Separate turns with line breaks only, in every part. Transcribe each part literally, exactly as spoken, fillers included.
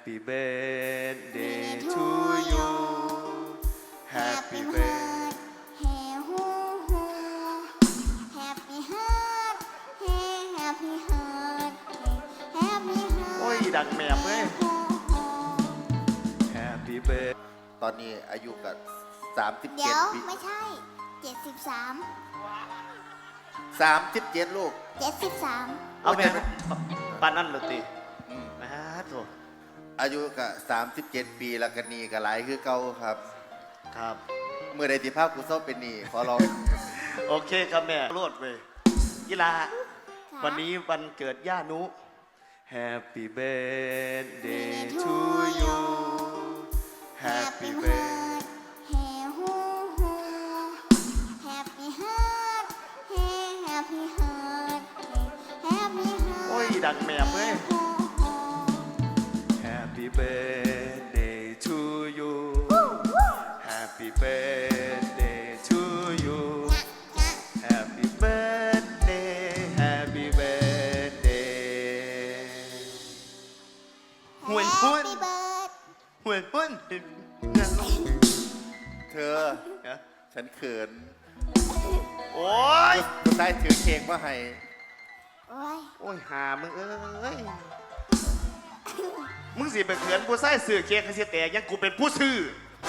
Happy birthday to you Happy birthday
Happy heart Happy heart Happy heart
โอ้ยดังแมบเลย Happy birthday
ตอนนี้อายุกับสามสิบ
เดี๋
เจ็
ย
ด
ว
ปี
ไม่ใช่เจ็ดสิบสาม
สามสิบเจ็ดลูก
เจ็ดสิบสาม
เอาแม่ปานนั่นเลยติ
อืม
มาโถ
อายุกับสามสิบเจ็ดปีแล้วกันนี่กับหลายคือเก่าครับ
ครับ
เมื่อใดที่ภาพกูเศร้าเป็นหนี่ขอร้อง
โอเคครับแม่โลดเว้ยกีฬาวันนี้วันเกิดย่านุ Happy birthday to you Happy birthday
Happy heart Happy heart Happy heart
โอ้ยดังแมบเลย Happy birthday to you Happy birthday to you Happy birthday Happy birthday หวยหุ้น
Happy birthday
หวยหุ้น
เธอ
ฮะ
ฉันเขิน
โอ้ย
กูได้ถือเค้กมาให้
โอ้ย
โอ้ยหามึงเอ้ย มึงสิไปเขินผู้ใส่สื่อเค้กให้เสียแต่ยังกูเป็นผู้ซื้อ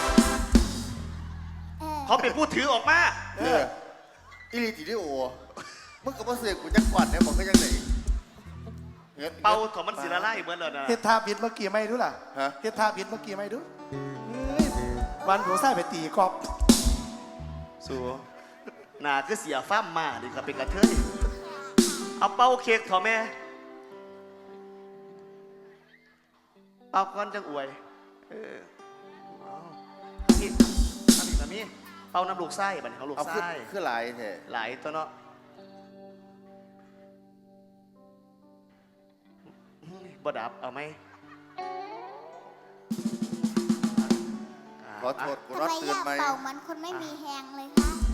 เออ
เขาเป็นผู้ถือออกมา
เอออิลิติดิโอมึงกับพ่อเสือกูจักก่อนเนี่ยบอกก็ยังไหนงิน
เป่าของมันสิละลายเหมือนเลยนะ
เฮ็ดท่าผิดเมื่อกี้ไม่ดูล่ะ
ฮะ
เฮ็ดท่าผิดเมื่อกี้ไม่ดูเฮ้ยวันหัวไส้ไปตีกอบ
สูหนาคือเสียฟ้ามมาดิครับเป็นกระเทยเอาเป่าเค้กเถอะแม่ เป่าก้อนจังอวย เออเอานี่ทำอีกนะมี่เป่าน้ำลูกไส้บัดนเขาลูก
เอาขึ้น
ไส้
ขึ้นหลายแท้
หลายตัวเนาะบ่ดับเอาไหม
ขอโทษกู
ทำ
นอน
ไมอ
ตื่น
ยาก
ไหม
เป่ามันคนไม่มีแฮงเลยคะ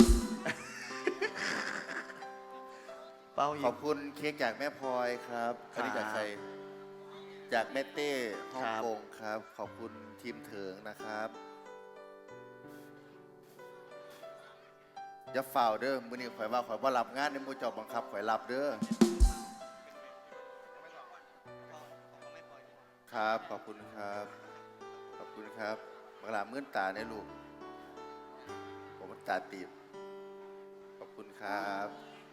เป่าอี
ขอก บคุณเค้กจากแม่พลอยครับอันนี้จากใครจากแม่เต้ฮ่อง
ครับ
กงครับ ขอบคุณทีมเถิงนะครับอย่าฝ่าวเด้อมื้อนี้ข่อยว่าข่อยว่ารับงานในหมู่เจ้าบังคับข่อยรับเด้อครับขอบคุณครับ ขอบคุณครับบังลามื่นตาในลูกผมตาตีบขอบคุณครับ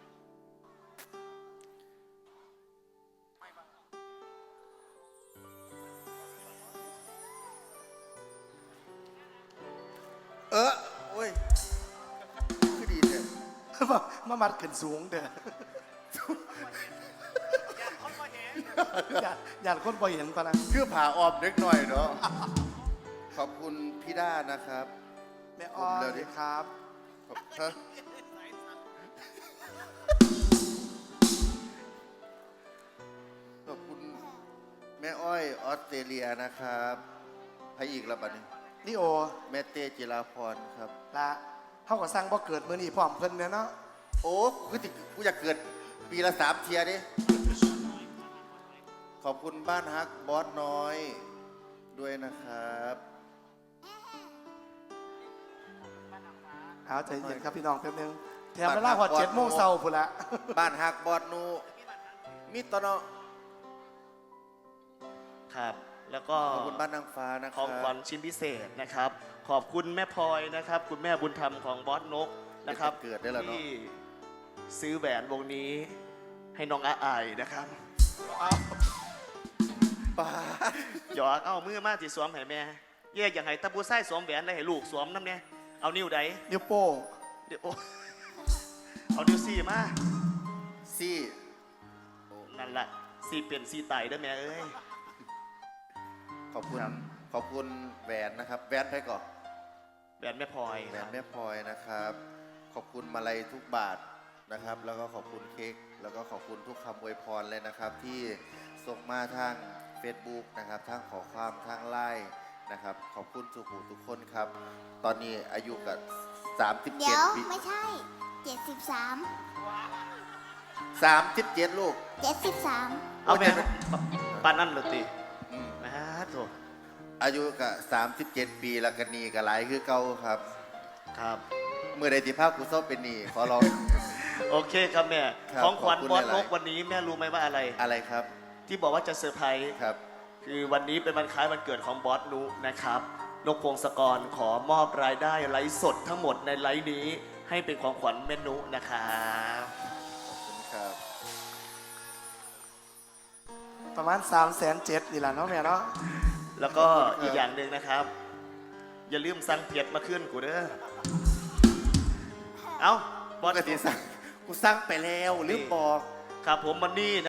เออโอ้ยคือดีเนี่ย
มามามัดขึ้นสูงเด้ออย่าอย่าคนบ่เห็นปะนะ
คือผ่าออมเล็กหน่อยเนาะขอบคุณพี่ด้านะครับ
แม่อ้อ
ผมเลย
ย
ดิ
ครับ
ขอบฮะขอบคุณแม่อ้อยออสเตรเลียนะครับใครอีกละบัดนี้
นี่โอ
แม่เต้จิราพรครับ
ละเฮาก็สร้างบ่เกิดมื้อนี้พร้อมเพิ่นแน่เนาะ
โอ้กูติกูอยากเกิดปีละสามเทียดิขอบคุณบ้านฮักบอสน้อยด้วยนะครับ
เอาใจเย็นครับพี่น้องแป๊บนึงแถมเวลาฮอดเจ็ดโมงเช้าพุ่นละ
บ้านฮักบอสนูมีตอนเนาะ
ครับ แล้วก็
ขอบคุณบ้านนางฟ้านะค
ข
รั
องขวัญชิ้นพิเศษนะครับ ขอบคุณแม่พลอยนะครับ คุณแม่บุญธรรมของบอสนกนะครับ
เกิดได้แล้วเนาะ
ที่ซื้อแหวนวงนี้ให้น้องอาอายนะครับ
ป้า
หยอกเอามือมาที่สวมให้แม่แยกอย่างไห้ตะปูไส้สวมแหวนได้ให้ลูกสวมน้ำเนี่ยเอานิ้วใด
นิ้วโป้ง
เดี๋ยวโอ้เอานิ้วสี่มา
ซี่
นั่นแหละสี่เปลี่ยนสี่ไตได้ไหมเอ้ย
ขอบคุณ
ครับ
ขอบคุณแหวนนะครับแหวนไปก่อน
แหวนแม่พลอย
แหว
คน รับ
แม่พลอยนะครับ ขอบคุณมาลัยทุกบาทนะครับ แล้วก็ขอบคุณเค้กแล้วก็ขอบคุณทุกคำอวยพรเลยนะครับ ที่ส่งมาทาง Facebook นะครับทางขอความทางไลน์นะครับ ขอบคุณสุขุทุกคนครับ ตอนนี้อายุกับสามสิบ
เดี๋
เจ็
ย
ด
ว
ปี
ไม่ใช่เจ็ดสิบสาม
สามสิบเจ็ดลูก
เจ็ดสิบสาม
เอาแม่
โอ้ย
ปานนั่นเลยติ
อืม
มาโถ
อายุก็สามสิบเจ็ดปีแล้วกันนี่ก็หลายคือเก่าครับ
ครับ
เมื่อใดที่ภาพกูเศร้าเป็นหนี่ขอร้อง
โอเคครับแม่
ครับ
ของขวัญ
ขอบคุณ
บอส
หลาย
น
ๆ
กวันนี้แม่รู้ไหมว่าอะไร
อะไรครับ
ที่บอกว่าจะเซอร์ไพรส์
ครับ
คือวันนี้เป็นวันคล้ายวันเกิดของบอสนุนะครับนกพงศกรขอมอบรายได้ไลฟ์สดทั้งหมดในไลฟ์นี้ให้เป็นของขวัญแม่นุนะครับ
ขอบคุณครับ
ประมาณสามแสนเจ็ดนี่แหละเนาะแม่เนาะ
แล้วก็อีกอย่างหนึ่งนะครับ อย่าลืมสั่งเพียดมาขึ้นกูเด้อเอ้าบ
ป
อส
กติสั่งกูสั่งไปแล้วลืมบอก
ครับผมมันนี่